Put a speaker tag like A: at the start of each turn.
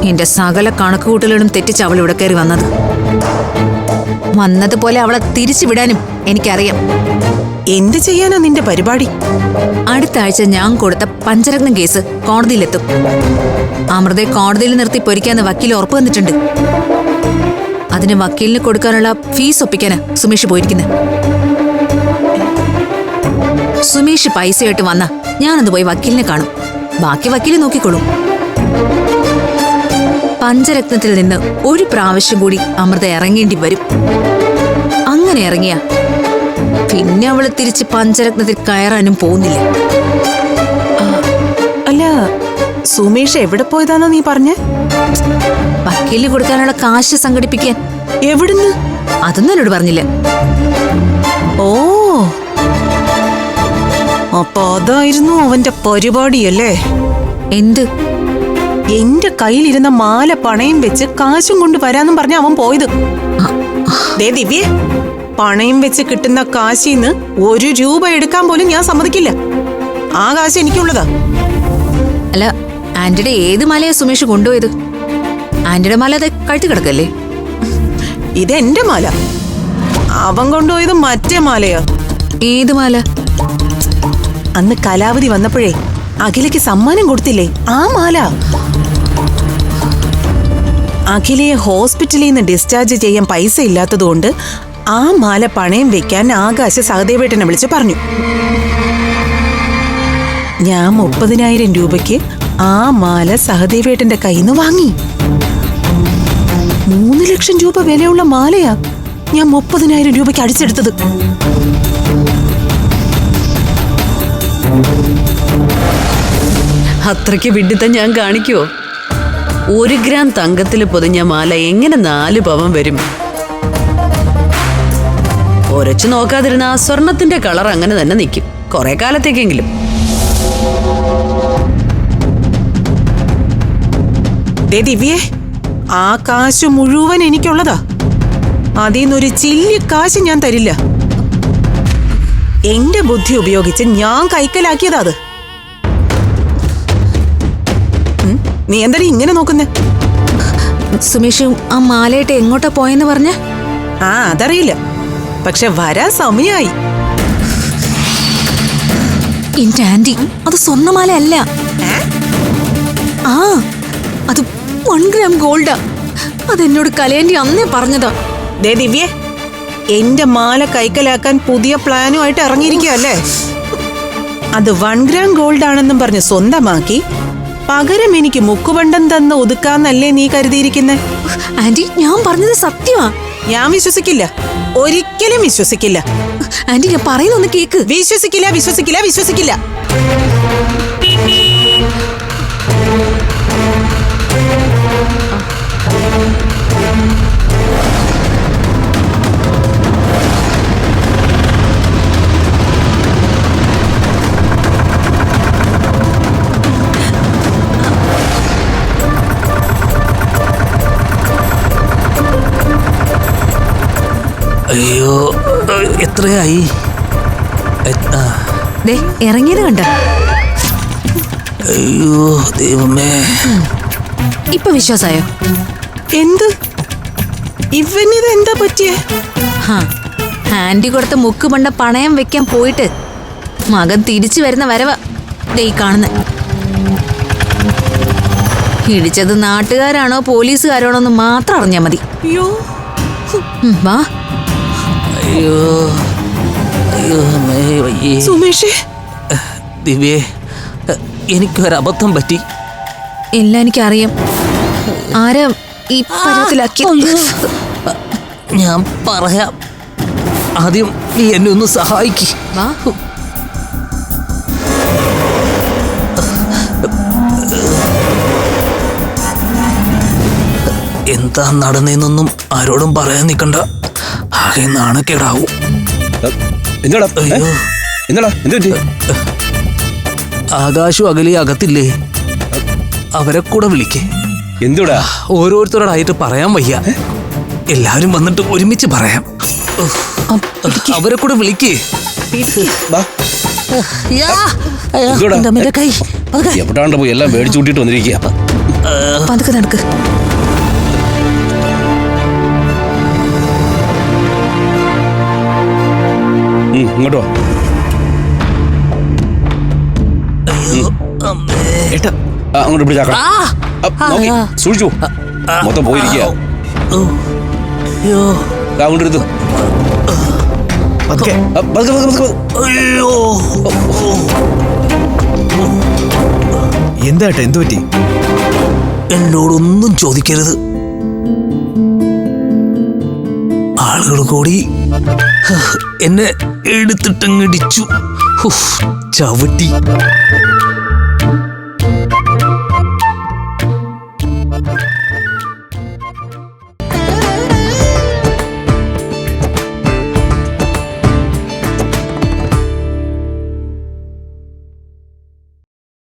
A: എന്റെ സകല കണക്കുകൂട്ടലുകളും തെറ്റിച്ച് അവൾ ഇവിടെ കയറി വന്നതുപോലെ അവളെ തിരിച്ചു വിടാനും എനിക്കറിയാം.
B: എന്ത് ചെയ്യാനാ നിന്റെ പരിപാടി?
A: അടുത്ത ആഴ്ച ഞാൻ കൊടുത്ത പഞ്ചരത്നം കേസ് കോടതിയിലെത്തും. അമൃതയെ കോടതിയിൽ നിർത്തി പൊരിക്കാന്ന് വക്കീൽ ഉറപ്പ് വന്നിട്ടുണ്ട്. അതിന് വക്കീലിന് കൊടുക്കാനുള്ള ഫീസ് ഒപ്പിക്കാനാ സുമേഷ് പോയിരിക്കുന്നത്. സുമേഷ് പൈസയായിട്ട് വന്നാ ഞാനത് പോയി വക്കീലിനെ കാണും. ബാക്കി വക്കീല് നോക്കിക്കോളും. പഞ്ചരത്നത്തിൽ നിന്ന് ഒരു പ്രാവശ്യം കൂടി അമൃത ഇറങ്ങേണ്ടി വരും. അങ്ങനെ ഇറങ്ങിയ പിന്നെ അവള് തിരിച്ച് പഞ്ചരത്നത്തിൽ കയറാനും പോകുന്നില്ല.
B: അല്ല, സുമേഷ് എവിടെ പോയതാന്നാ നീ പറഞ്ഞേ?
A: വക്കീലിന് കൊടുക്കാനുള്ള കാശ് സംഘടിപ്പിക്കാൻ.
B: എവിടുന്ന്?
A: അതൊന്നും എന്നോട് പറഞ്ഞില്ല.
B: ഓ, അപ്പൊ അതായിരുന്നു അവന്റെ പരിപാടിയല്ലേ?
A: എന്ത്?
B: എന്റെ കയ്യിലിരുന്ന മാല പണയം വെച്ച് കാശും കൊണ്ട് വരാന്നും പറഞ്ഞ അവൻ പോയത്. ദേ ദിവ്യേ, പണയം വെച്ച് കിട്ടുന്ന കാശിന്ന് 1 രൂപ എടുക്കാൻ പോലും ഞാൻ സമ്മതിക്കില്ല. ആ കാശ് എനിക്കുള്ളതാ.
A: അല്ല, ആന്റിയുടെ ഏത് മലയാ സുമേഷ് കൊണ്ടുപോയത്? ആന്റിയുടെ മല അത് കഴുത്തി കിടക്കല്ലേ?
B: ഇത് എന്റെ മാല. അവൻ കൊണ്ടുപോയത് മറ്റേ മാലയാ.
A: ഏത് മാല?
B: അന്ന് കലാവധി വന്നപ്പോഴേ അഖിലയ്ക്ക് സമ്മാനം കൊടുത്തില്ലേ, ആ മാല. അഖിലയെ ഹോസ്പിറ്റലിൽ നിന്ന് ഡിസ്ചാർജ് ചെയ്യാൻ പൈസ ഇല്ലാത്തതുകൊണ്ട് ആ മാല പണയം വെക്കാൻ ആകാശ് സഹദേവേട്ടനെ വിളിച്ച് പറഞ്ഞു. ഞാൻ 30,000 രൂപയ്ക്ക് ആ മാല സഹദേവേട്ടന്റെ കയ്യിൽ നിന്ന് വാങ്ങി. 3 ലക്ഷം രൂപ വിലയുള്ള മാലയാ ഞാൻ 30,000 രൂപയ്ക്ക് അടിച്ചെടുത്തത്.
C: അത്രയ്ക്ക് വിഡിത്തം ഞാൻ കാണിക്കുവോ? 1 ഗ്രാം തങ്കത്തിൽ പൊതിഞ്ഞ മാല എങ്ങനെ 4 പവൻ വരും? ഒരച്ചു നോക്കാതിരുന്ന ആ സ്വർണത്തിന്റെ കളർ അങ്ങനെ തന്നെ നിൽക്കും, കുറെ കാലത്തേക്കെങ്കിലും.
B: ദിവ്യേ, ആ കാശ് മുഴുവൻ എനിക്കുള്ളതാ. അതിന്നൊരു ചില്ലി കാശ് ഞാൻ തരില്ല. എന്റെ ബുദ്ധി ഉപയോഗിച്ച് ഞാൻ കൈക്കലാക്കിയതാ അത്. നീ എന്താ ഇങ്ങനെ നോക്കുന്നേ?
A: സുമേഷ് ആ മാലയിട്ട് എങ്ങോട്ടാ പോയെന്ന് പറഞ്ഞ?
B: ആ, അതറിയില്ല, പക്ഷെ വരാൻ സമയായി.
A: എന്റെ ആന്റി, അത് സ്വർണ്ണമാല അല്ല. ആ, അത് 1 ഗ്രാം ഗോൾഡാ. അതെന്നോട് കലയാന്റി അന്നേ പറഞ്ഞതാ.
B: ദേ ദിവ്യേ, എന്റെ മാല കൈക്കലാക്കാൻ പുതിയ പ്ലാനുമായിട്ട് ഇറങ്ങിയിരിക്കുകയല്ലേ? അത് 1 ഗ്രാം ഗോൾഡ് ആണെന്നും പറഞ്ഞ് സ്വന്തമാക്കി പകരം എനിക്ക് മുക്കുപണ്ടം തന്ന് ഒതുക്കാന്നല്ലേ നീ കരുതിയിരിക്കുന്നെ?
A: ആന്റി, ഞാൻ പറഞ്ഞത് സത്യമാ.
B: ഞാൻ വിശ്വസിക്കില്ല, ഒരിക്കലും വിശ്വസിക്കില്ല.
A: ആന്റി, ഞാൻ പറയുന്നൊന്ന് കേക്ക്.
B: വിശ്വസിക്കില്ല, വിശ്വസിക്കില്ല, വിശ്വസിക്കില്ല.
D: അയ്യോ, എത്രയായി?
A: ഇറങ്ങിയത് കണ്ട?
D: അയ്യോ ദൈവമേ,
A: ഇപ്പൊ വിശ്വാസായോ?
B: എന്ത്? ഇവനിത് എന്താ പറ്റിയേ?
A: ആന്റി കൊടുത്ത മുക്കുപണ്ട പണയം വെക്കാൻ പോയിട്ട് മകൻ തിരിച്ചു വരുന്ന വരവ ദേ കാണുന്ന. ഇടിച്ചത് നാട്ടുകാരാണോ പോലീസുകാരാണോ എന്ന് മാത്രം അറിഞ്ഞാ മതി.
B: അയ്യോ,
A: വാ.
D: അയ്യോ അയ്യോ വയ്യേ.
B: സുമേഷേ.
D: ദിവ്യേ, എനിക്കൊരബദ്ധം പറ്റി.
A: എല്ലാം എനിക്കറിയാം. ആരാ ഈ പരുവത്തിലാക്കി?
D: ഞാൻ പറയാം. ആദ്യം നീ എന്നെ ഒന്ന് സഹായിക്ക്.
A: വാ.
D: എന്താ നടന്നേന്നൊന്നും ആരോടും പറയാൻ നിൽക്കണ്ട, ആകെ നാണക്കേടാവും. ആകാശും അകലി അകത്തില്ലേ, അവരെ കൂടെ വിളിക്കേ.
E: എന്തുടാ?
D: ഓരോരുത്തരോടായിട്ട് പറയാൻ വയ്യ, എല്ലാവരും വന്നിട്ട് ഒരുമിച്ച് പറയാം. അവരെ കൂടെ വിളിക്കേ.
E: എവിടാണ്ട് പോയി എല്ലാം മേടിച്ചു കൂട്ടിട്ട് വന്നിരിക്കുക.
A: പതുക്കെ നടക്ക്.
E: ഇങ്ങോട്ട് വാ.
D: ഏട്ടാ
E: അങ്ങോട്ട് പിടിച്ചാക്കാം. സൂക്ഷിച്ചു മൊത്തം പോയിരിക്കുക. അങ്ങോട്ട് എടുത്തു.
F: എന്താ ഏട്ടാ, എന്തു പറ്റി?
D: എന്നോടൊന്നും ചോദിക്കരുത്. ആളുകൾ കൂടി എന്നെ എടുത്തിട്ടങ്ങിടിച്ചു. ചവിട്ടി